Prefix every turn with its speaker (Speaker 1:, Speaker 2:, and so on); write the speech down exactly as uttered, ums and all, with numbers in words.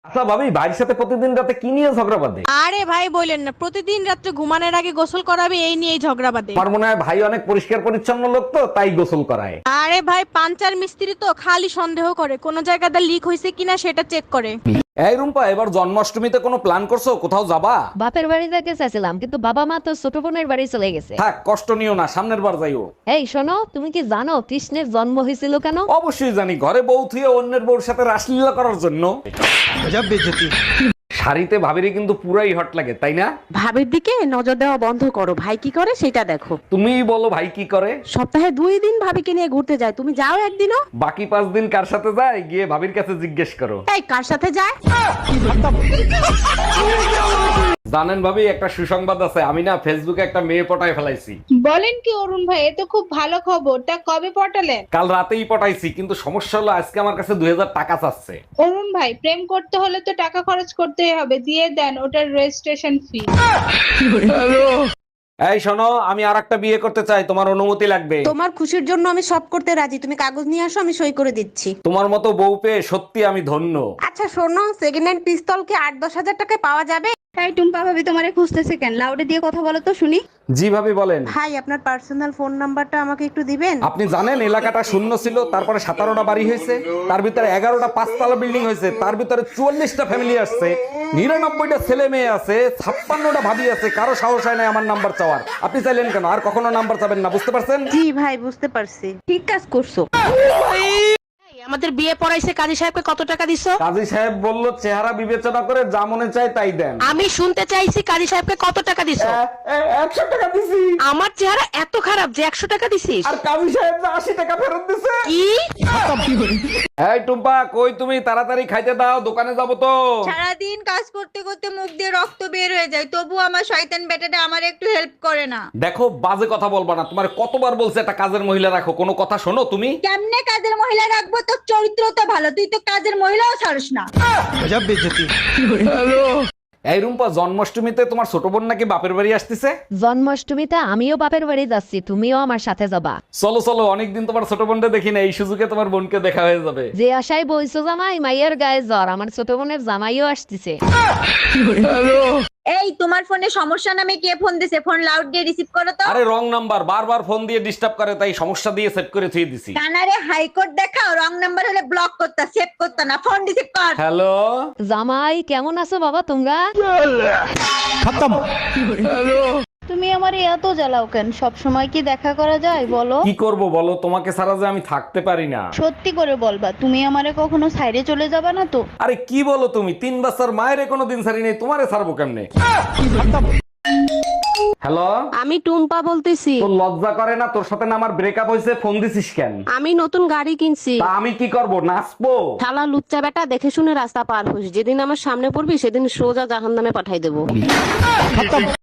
Speaker 1: আচ্ছা ভাবি, ভাইয়ের সাথে প্রতিদিন রাতে কি নিয়ে ঝগড়া বাঁধে?
Speaker 2: আরে ভাই বলেন না, প্রতিদিন রাত্রে ঘুমানোর আগে গোসল করাবে এই নিয়েই ঝগড়া বাঁধে।
Speaker 1: আমার মনে হয় ভাই অনেক পরিষ্কার পরিচ্ছন্ন লোক, তো তাই গোসল করায়।
Speaker 2: আরে ভাই পাঞ্চার মিস্ত্রি তো খালি সন্দেহ করে কোন জায়গাটা লিক হয়েছে কিনা সেটা চেক করে।
Speaker 1: এই রুম্পা, এবার জন্মাষ্টমীতে কোনো প্ল্যান করছো? কোথাও যাবা?
Speaker 3: বাপের বাড়ি যেতে চাইছিলাম, কিন্তু বাবা মা তো ছোট বোনের বাড়ি চলে গেছে।
Speaker 1: থাক, কষ্ট নিও না, সামনের বার যাইও।
Speaker 3: এই শোনো, তুমি কি জানো কৃষ্ণের জন্ম হয়েছিল কেন?
Speaker 1: অবশ্যই জানি, ঘরে বউ থুয়ে অন্যের বউর সাথে রাসলীলা করার জন্য। শাড়িতে ভাবিরে কিন্তু পুরাই হট লাগে, তাই না?
Speaker 4: ভাবির দিকে নজর দেওয়া বন্ধ করো, ভাই কি করে সেটা দেখো।
Speaker 1: তুমিই বলো ভাই কি করে।
Speaker 4: সপ্তাহে দুই দিন ভাবিকে নিয়ে ঘুরতে যায়, তুমি যাও একদিনও?
Speaker 1: বাকি পাঁচ দিন কার সাথে যায় গিয়ে ভাবির কাছে জিজ্ঞেস করো।
Speaker 4: এই কার সাথে যায়?
Speaker 1: জানেন ভাবি, একটা সুসংবাদ আছে, আমি না ফেসবুকে একটা মেয়ে পটায় ফেলাইছি।
Speaker 5: বলেন কি অরুণ ভাই, এ তো খুব ভালো খবর। তা কবে পটালেন?
Speaker 1: কাল রাতেই পটাইছি, কিন্তু সমস্যা হলো আজকে আমার কাছে দুই হাজার টাকা চাচ্ছে।
Speaker 5: অরুণ ভাই, প্রেম করতে হলে তো টাকা খরচ করতেই হবে, দিয়ে দেন ওটার রেজিস্ট্রেশন ফি।
Speaker 1: এই শোনো, আমি আর একটা বিয়ে করতে চাই, তোমার অনুমতি লাগবে।
Speaker 4: তোমার খুশির জন্য আমি সব করতে রাজি, তুমি কাগজ নিয়ে আসো, আমি সই করে দিচ্ছি।
Speaker 1: তোমার মতো বউ পেয়ে সত্যি আমি ধন্য।
Speaker 4: আচ্ছা শোনো, সেকেন্ড হ্যান্ড পিস্তল কি আট দশ হাজার টাকায় পাওয়া যাবে?
Speaker 6: তাই টুম্পা ভাবি তোমারে খুঁজতেছে কেন? লাউডে দিয়ে কথা বলো তো শুনি।
Speaker 1: জি ভাবি বলেন।
Speaker 4: ভাই আপনার পার্সোনাল ফোন নাম্বারটা আমাকে একটু দিবেন?
Speaker 1: আপনি জানেন এলাকাটা শূন্য ছিল, তারপরে সতেরোটা বাড়ি হয়েছে, তার ভিতরে এগারোটা পাঁচতলা বিল্ডিং হয়েছে, তার ভিতরে চুয়াল্লিশটা ফ্যামিলি আসছে, নিরানব্বইটা ছেলে মেয়ে আছে, ছাপ্পান্নটা ভাবি আছে, কারো সাহস হয় না আমার নাম্বার চাওয়ার। আপনি চাইলেন কেন? আর কখনো নাম্বার চাবেন না, বুঝতে পারছেন?
Speaker 4: জি ভাই বুঝতে পারছি।
Speaker 6: ঠিক কাজ করছো।
Speaker 4: আমাদের বিয়ে পড়াইছে কাজী সাহেবকে কত টাকা দিছো?
Speaker 1: কাজী সাহেব বলল চেহারা বিবেচনা করে যা মনে চায় তাই দেন।
Speaker 4: আমি শুনতে চাইছি কাজী সাহেবকে কত টাকা দিছো?
Speaker 1: একশো টাকা দিছি।
Speaker 4: আমার চেহারা এত খারাপ যে একশো টাকা দিছিস?
Speaker 1: আর কাজী সাহেব যে আশি টাকা ফেরত দিছে।
Speaker 4: কি?
Speaker 1: এই টুম্পা, কই তুমি? তাড়াতাড়ি খাইতে দাও, দোকানে যাবো তো।
Speaker 2: সারাদিন কাজ করতে করতে মুখ দিয়ে রক্ত বের হয়ে যায়, তবু আমার শয়তান বেটাটা আমার একটু হেল্প করে না।
Speaker 1: দেখো, বাজে কথা বলবা না, তোমার কতবার বলছে একটা কাজের মহিলা রাখো, কোনো কথা শোনো তুমি?
Speaker 2: কেমনে কাজের মহিলা রাখবো? তোর চরিত্র তো ভালো, তুই তো কাজের মহিলাও ছাড়িস না।
Speaker 1: এই রুম্পা, জন্মাষ্টমীতে তোমার ছোট বোন নাকি বাপের বাড়ি আসতেছে?
Speaker 3: জন্মাষ্টমীতে আমিও বাপের বাড়ি যাচ্ছি, তুমিও আমার সাথে যাবা।
Speaker 1: চলো চলো, অনেকদিন তোমার ছোট বোনটা দেখি না, এই সুযোগে তোমার বোনকে দেখা হয়ে যাবে।
Speaker 3: যে আশায় বইছো জামাই, মাইয়ের গায়ে জ্বর, আমার ছোট বোনের জামাইও আসতেছে।
Speaker 2: এই তোমার ফোনে সমস্যা নামে কে ফোন দিছে? ফোন লাউড দিয়ে রিসিভ করো তো।
Speaker 1: আরে রং নাম্বার, বারবার ফোন দিয়ে ডিস্টার্ব করে, তাই সমস্যা দিয়ে সেট করে থুয়ে দিছি।
Speaker 2: কানারে হাইকোর্ট দেখাও, রং নাম্বার হলে ব্লক করতা, সেভ করতা না, ফোন রিসিভ কর।
Speaker 1: হ্যালো
Speaker 3: জামাই কেমন আছো বাবা তোমরা?
Speaker 6: তুমি আমার এত জ্বালাও কেন? সব সময় কি দেখা করা যায় বলো?
Speaker 1: কি করব বলো, তোমাকে ছাড়া যে আমি থাকতে পারি না।
Speaker 6: সত্যি করে বলবা, তুমি আমারে কখনো সাইডে চলে যাবা না তো?
Speaker 1: আরে কি বলো তুমি, তিন বছর মায়ের কোনো দিন ছাড়ি নেই, তোমারে ছাড়বো কেমনে? হ্যালো,
Speaker 4: আমি টুম্পা বলতেছি।
Speaker 1: তোর লজ্জা করে না? তোর সাথে না আমার ব্রেকআপ হয়েছে, ফোন দিছিস কেন?
Speaker 4: আমি নতুন গাড়ি কিনছি।
Speaker 1: তা আমি কি করব, নাচবো?
Speaker 4: শালা লুচ্চা বেটা, দেখে শুনে রাস্তা পার হোস, যেদিন আমার সামনে পড়বি সেদিন সোজা জাহান্নামে পাঠাই দেবো।